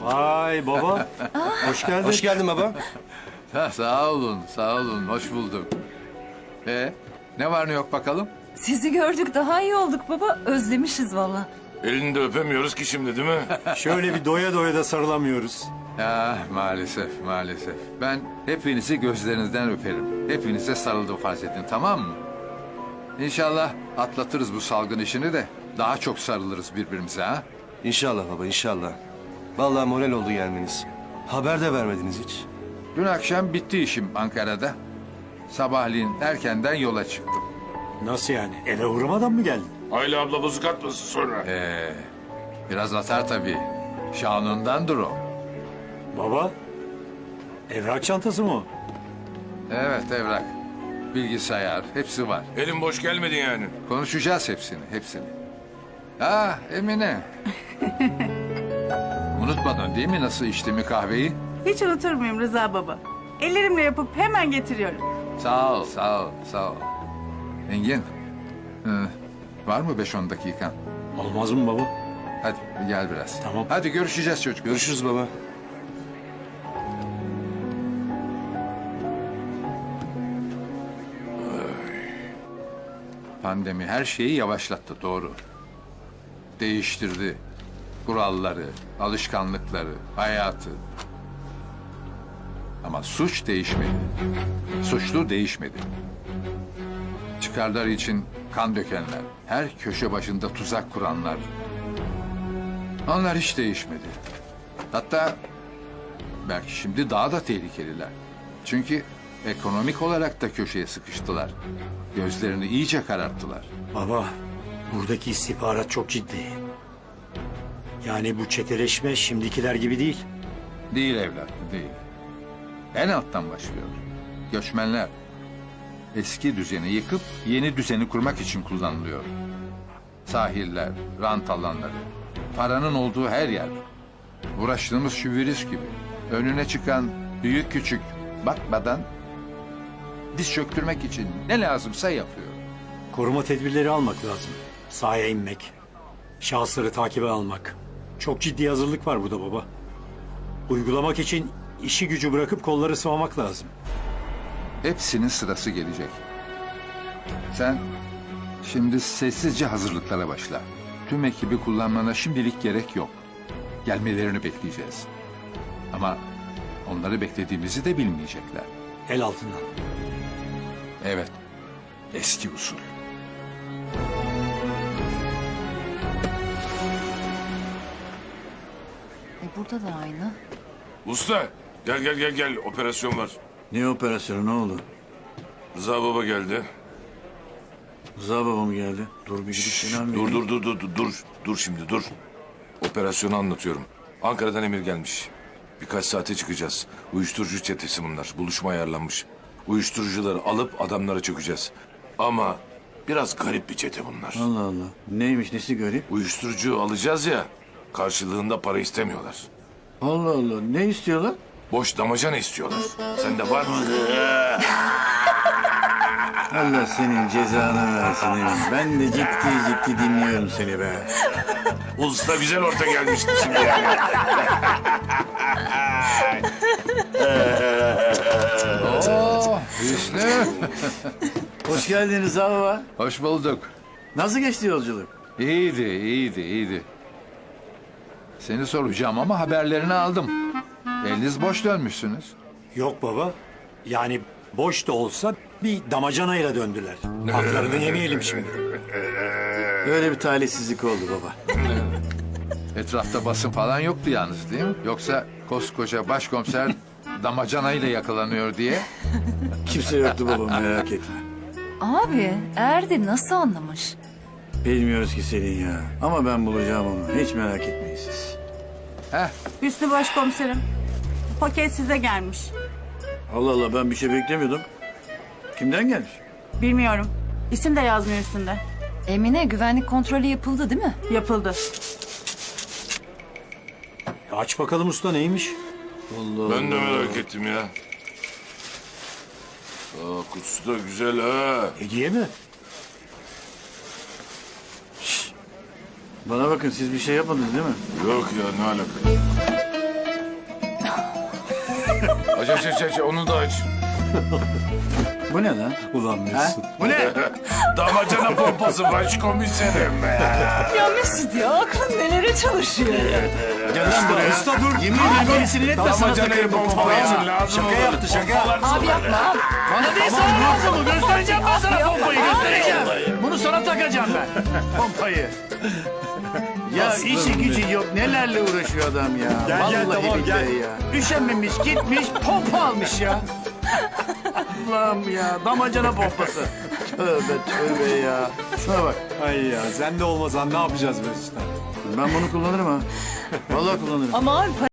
Vay baba. Hoş geldin. Hoş geldin baba. Ha, sağ olun, sağ olun. Hoş bulduk. Ne var ne yok bakalım? Sizi gördük daha iyi olduk baba. Özlemişiz valla. Elini de öpemiyoruz ki şimdi değil mi? Şöyle bir doya doya da sarılamıyoruz. Ya maalesef, maalesef. Ben hepinizi gözlerinizden öperim. Hepinize sarıldım farz edin, tamam mı? İnşallah atlatırız bu salgın işini de daha çok sarılırız birbirimize ha. İnşallah baba inşallah. Vallahi moral oldu gelmeniz. Haber de vermediniz hiç. Dün akşam bitti işim Ankara'da. Sabahleyin erkenden yola çıktım. Nasıl yani? Eve uğramadan mı geldin? Ayla abla bozuk atmasın sonra. Biraz atar tabii. Şanundandır o. Baba. Evrak çantası mı o? Evet evrak, bilgisayar hepsi var. Elim boş gelmedi yani. Konuşacağız hepsini. Ha Emine. Unutmadın değil mi nasıl içtiğimi kahveyi? Hiç unutur muyum Rıza baba? Ellerimle yapıp hemen getiriyorum. Sağ ol, sağ ol, sağ ol. Engin, var mı 5-10 dakikan? Olmaz mı baba? Hadi gel biraz. Tamam. Hadi görüşeceğiz çocuk. Görüşürüz baba. Pandemi her şeyi yavaşlattı doğru. Değiştirdi. Kuralları, alışkanlıkları, hayatı. Ama suç değişmedi. Suçlu değişmedi. Çıkarlar için kan dökenler, her köşe başında tuzak kuranlar. Onlar hiç değişmedi. Hatta belki şimdi daha da tehlikeliler. Çünkü ekonomik olarak da köşeye sıkıştılar. Gözlerini iyice kararttılar. Baba, buradaki istihbarat çok ciddi. Yani bu çeteleşme şimdikiler gibi değil. Değil evlat, değil. En alttan başlıyor. Göçmenler eski düzeni yıkıp yeni düzeni kurmak için kullanılıyor. Sahiller, rant alanları, paranın olduğu her yer. Uğraştığımız şu virüs gibi. Önüne çıkan büyük küçük bakmadan diz çöktürmek için ne lazımsa yapıyor. Koruma tedbirleri almak lazım. Sahaya inmek. Şahısları takibe almak. Çok ciddi hazırlık var burada baba. Uygulamak için işi gücü bırakıp kolları sıvamak lazım. Hepsinin sırası gelecek. Sen şimdi sessizce hazırlıklara başla. Tüm ekibi kullanmana şimdilik gerek yok. Gelmelerini bekleyeceğiz. Ama onları beklediğimizi de bilmeyecekler. El altından. Evet, eski usul. Burada da aynı. Usta gel operasyon var. Ne operasyonu ne oldu? Rıza baba geldi. Rıza baba mı geldi? Dur bir gidip selam vereyim. Dur şimdi dur. Operasyonu anlatıyorum. Ankara'dan emir gelmiş. Birkaç saate çıkacağız. Uyuşturucu çetesi bunlar. Buluşma ayarlanmış. Uyuşturucuları alıp adamlara çökeceğiz. Ama biraz garip bir çete bunlar. Allah Allah. Neymiş nesi garip? Uyuşturucu alacağız ya. Karşılığında para istemiyorlar. Allah Allah. Ne istiyorlar? Boş damacana istiyorlar. Sende var mı? Allah senin cezanı versin Emin. Ben de ciddi dinliyorum seni be. Usta güzel orta gelmişti şimdi yani. Oo, Hüsnü. Hoş geldin Rıza baba. Hoş bulduk. Nasıl geçti yolculuk? İyiydi. Seni soracağım ama haberlerini aldım. Eliniz boş dönmüşsünüz. Yok baba. Yani boş da olsa bir damacanayla döndüler. Haklarını yemeyelim şimdi. Öyle bir talihsizlik oldu baba. Etrafta basın falan yoktu yalnız değil mi? Yoksa koskoca başkomiser damacanayla yakalanıyor diye. Kimse yoktu baba merak etme. Abi Erdi nasıl anlamış? Bilmiyoruz ki Selin ya. Ama ben bulacağım onu. Hiç merak etmeyin siz. Hüsnü başkomiserim. Paket size gelmiş. Allah Allah ben bir şey beklemiyordum. Kimden gelmiş? Bilmiyorum. İsim de yazmıyor üstünde. Emine güvenlik kontrolü yapıldı değil mi? Yapıldı. Aç bakalım usta neymiş? Allah Ben de merak ettim ya. Kutusu da güzel ha. Hediye mi? Bana bakın siz bir şey yapmadınız değil mi? Yok ya ne alaka? Aç onu da aç. Bu ne lan? Ulan Ha? Mesut. Bu ne? Damacana pompası başkomiserim. Ya Mesut ya aklın nelere çalışıyor ya. Gel lan buraya. Usta dur. Yemin ederim beni sinir etme sana Damacanayı takarım bu pompalayın pompayı. lazım Şaka olur. yaptı şaka. Abi yapma abi. Bana değil sana lazım bu. Göstereceğim ben sana pompayı göstereceğim. Bunu sana takacağım ben. Pompayı. Ya işi gücü yok. Nelerle uğraşıyor adam ya. Gel, Vallahi tamam, billahi gel. ya. Üşenmemiş gitmiş pompa almış ya. Allah'ım ya. Damacana pompası. Tövbe tövbe ya. Şuna bak. Ay ya sen de olmasan ne yapacağız Mesut'a? Ben bunu kullanırım ha. Vallahi kullanırım. Ama abi